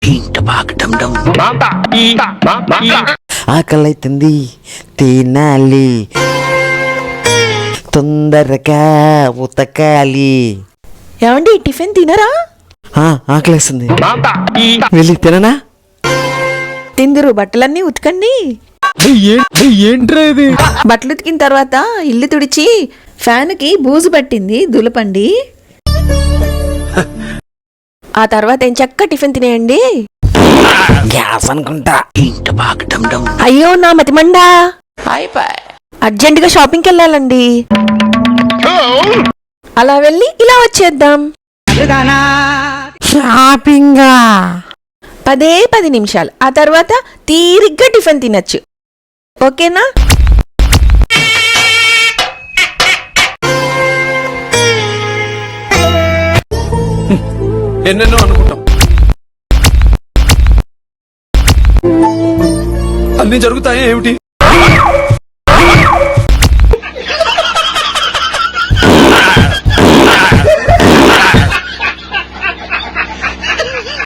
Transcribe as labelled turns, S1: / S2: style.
S1: ఆకలైతుంది తినాలి తొందరగా ఉతకాలి.
S2: ఏమండి టిఫిన్ తినరా?
S1: ఆకలేస్తుంది వెళ్ళి తిననా?
S2: తిందురు, బట్టలన్నీ ఉతకండి.
S1: ఏంట్రా ఇది?
S2: బట్టలు ఉతికిన తర్వాత ఇల్లు తుడిచి ఫ్యాన్కి బూజు పట్టింది దులపండి. ఆ తర్వాత ఏం చక్క టిఫిన్ తినేయండి.
S1: గ్యాస్ అనుకుంటా.
S2: అయ్యో నా మతిమండా, అర్జెంటుగా షాపింగ్కి వెళ్ళాలండి. అలా వెళ్ళి ఇలా వచ్చేద్దాం.
S1: షాపింగా
S2: 10 నిమిషాలు. ఆ తర్వాత తీరిగ్గా టిఫిన్ తినచ్చు. ఓకేనా?
S3: ఎన్నెన్నో అనుకుంటాం, అన్ని జరుగుతాయా ఏమిటి?